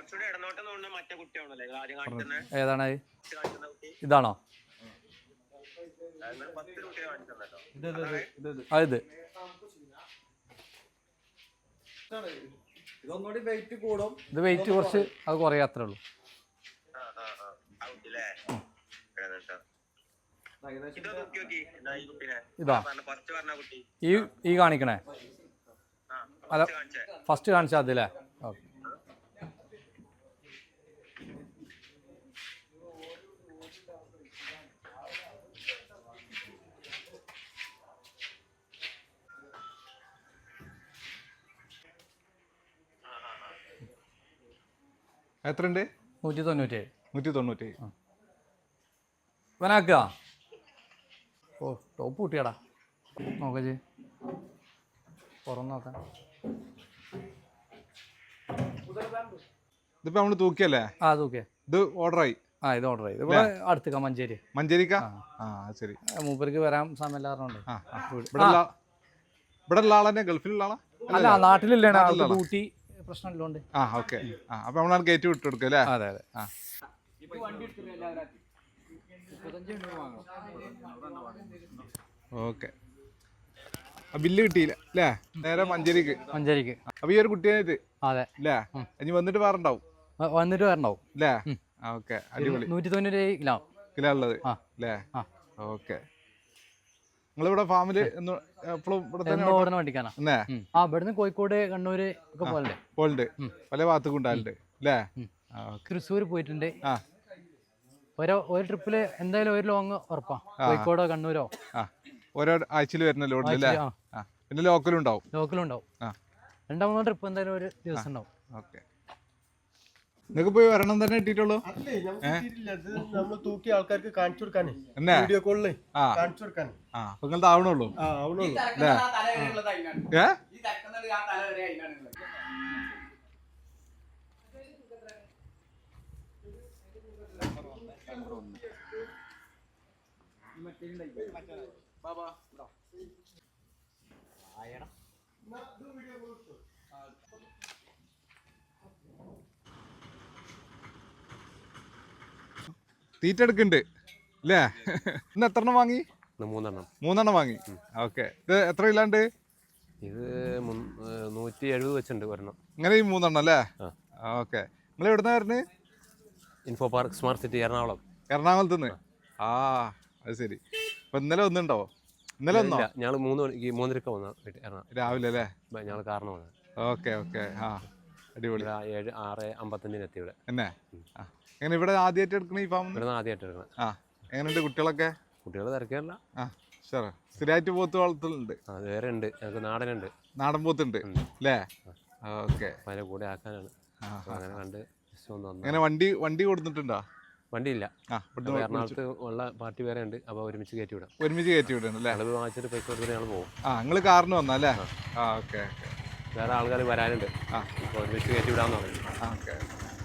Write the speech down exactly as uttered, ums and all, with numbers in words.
ഏതാണ് ഇതാണോ അത് ഇത് വെയിറ്റ് കുറച്ച് അത് കുറേ അത്രേ ഉള്ളൂ ഇതാ ഈ ഈ കാണിക്കണേ അല്ല ഫസ്റ്റ് കാണിച്ചാൽ അതില്ലേ ഓക്കെ എത്രയുണ്ട്? നൂറ്റി തൊണ്ണൂറ്റേഴ് നൂറ്റി തൊണ്ണൂറ്റേഴ് വനാക്കുക. ഓ ടോപ്പ് കൂട്ടിയാടാ നോക്ക ചേ പുറം നോക്കാം. ഇതിപ്പോ നമ്മള് തൂക്കിയല്ലേ? ആ തൂക്കിയ. ഇത് ഓർഡറായി. ആ ഇത് ഓർഡർ ചെയ്ത് ഇവിടെ അടുത്തേക്കാ മഞ്ചേരി. മഞ്ചേരിക്കാ? ആ ശരി. മൂപ്പർക്ക് വരാൻ സമയമില്ല പറഞ്ഞോണ്ട്. ഇവിടെ ഉള്ള ആളെന്നെ ഗൾഫിലുള്ള ആളാ? അല്ല നാട്ടിലില്ലേ ഡ്യൂട്ടി പ്രശ്നമില്ലോണ്ട്. ആ ഓക്കെ. അപ്പൊ നമ്മളാണ് ഗേറ്റ് വിട്ടു കൊടുക്കുക അല്ലേ? അതെ അതെ. ആ ഓക്കെ. ബില്ല് കിട്ടിയില്ല അല്ലേ? നേരെ മഞ്ചേരിക്ക്. മഞ്ചേരിക്ക്. അപ്പൊ ഈ ഒരു കുട്ടിയായിട്ട് അതെ അല്ലേ? ഇനി വന്നിട്ട് വേറുണ്ടാവും വന്നിട്ട് വരണ്ടാവും അല്ലേ? ഓക്കെ അടിപൊളി. നൂറ്റി തൊണ്ണൂറ്റി കിലോ കിലോ ഉള്ളത് അല്ലേ? ഓക്കെ. നിങ്ങളിവിടെ ഫാമില് എപ്പോഴും ഓടുന്ന വണ്ടിക്കാനാ? ആ ഇവിടുന്ന് കോഴിക്കോട് കണ്ണൂര് ഒക്കെ പോലെ പോലുണ്ട്. പല ഭാഗത്തേക്കും ഉണ്ടായിട്ടുണ്ട് അല്ലേ? തൃശ്ശൂർ പോയിട്ടുണ്ട്. ഓരോ ഒരു ട്രിപ്പില് എന്തായാലും ഒരു ലോങ് ഉറപ്പാ. കോഴിക്കോടോ കണ്ണൂരോ ഓരോ ആഴ്ചയിൽ വരുന്ന ലോഡില്. പിന്നെ ലോക്കലും ഉണ്ടാവും. ലോക്കലും ഉണ്ടാവും. രണ്ടാം മൂന്നോ ട്രിപ്പ് എന്തായാലും ഒരു ദിവസം ഉണ്ടാവും. ഓക്കെ. നിങ്ങൾക്ക് പോയി വരണം തന്നെ കിട്ടിയിട്ടുള്ളൂ? തൂക്കി ആൾക്കാർക്ക് കാണിച്ചു കൊടുക്കാനേ വീഡിയോ കോളില് കാണിച്ചു കൊടുക്കാൻ. നിങ്ങളുടെ ആവണുള്ളൂ ഏ? തീറ്റ എടുക്കുന്നുണ്ട് അല്ലേ? ഇന്ന് എത്ര എണ്ണം വാങ്ങി? മൂന്നെണ്ണം. മൂന്നെണ്ണം വാങ്ങി. ഓക്കെ. ഇത് എത്ര ഇല്ലാണ്ട്? ഇത് നൂറ്റി എഴുപത് വെച്ചിട്ടുണ്ട് ഒരെണ്ണം. ഇങ്ങനെ ഈ മൂന്നെണ്ണം അല്ലേ? ഓക്കെ. നിങ്ങൾ എവിടുന്ന വരുന്നത്? Info park smart city Ernakulam. എറണാകുളത്ത് നിന്ന്. ആ അത് ശരി. അപ്പൊ ഇന്നലെ ഒന്നുണ്ടാവോ? ഇന്നലെ ഒന്നോ? ഞങ്ങൾ മൂന്ന് മണിക്ക് മൂന്നരക്ക് വന്ന എറണാകുളം രാവിലെ അല്ലേ? ഞങ്ങൾ കാരണം വന്നത്. Okay okay. ആ അടിപൊളി. ഏഴ് ആറ് അമ്പത്തഞ്ചിന് എത്തി ഇവിടെ. എന്നെ എങ്ങനെ ഇവിടെ ആദ്യമായിട്ട് എടുക്കണ ഈ ഫാം? ഇവിടെ ആദ്യമായിട്ട് എടുക്കണം. ആ എങ്ങനെയുണ്ട് കുട്ടികളൊക്കെ? കുട്ടികൾ തിരക്കില്ല. ആ ഷുവർ. സ്ഥിരമായിട്ട് പോത്ത് വളർത്തലുണ്ട്? അത് വേറെ ഉണ്ട്. ഞങ്ങൾക്ക് നാടനുണ്ട്. നാടൻ പോത്തുണ്ട് അല്ലേ? ഓക്കെ. അതിൻ്റെ കൂടെ ആക്കാനാണ്. അങ്ങനെ കണ്ട് അങ്ങനെ വണ്ടി വണ്ടി കൊടുത്തിട്ടുണ്ടോ? വണ്ടിയില്ല. എറണാകുളത്ത് ഉള്ള പാർട്ടി വേറെ ഉണ്ട്. അപ്പോൾ ഒരുമിച്ച് കയറ്റി വിടാം. ഒരുമിച്ച് കയറ്റി വിടണം അല്ലേ? അത് വാങ്ങിച്ചിട്ട് പൈസ കൊടുത്തിട്ട് ഞങ്ങൾ പോകും. ആ നിങ്ങൾ കാറിന് വന്നല്ലേ? ആ ഓക്കെ. വേറെ ആൾക്കാർ വരാനുണ്ട്. ആ ഇപ്പോൾ ഒരുമിച്ച് കയറ്റി വിടാമെന്ന് പറഞ്ഞു. ഓക്കെ.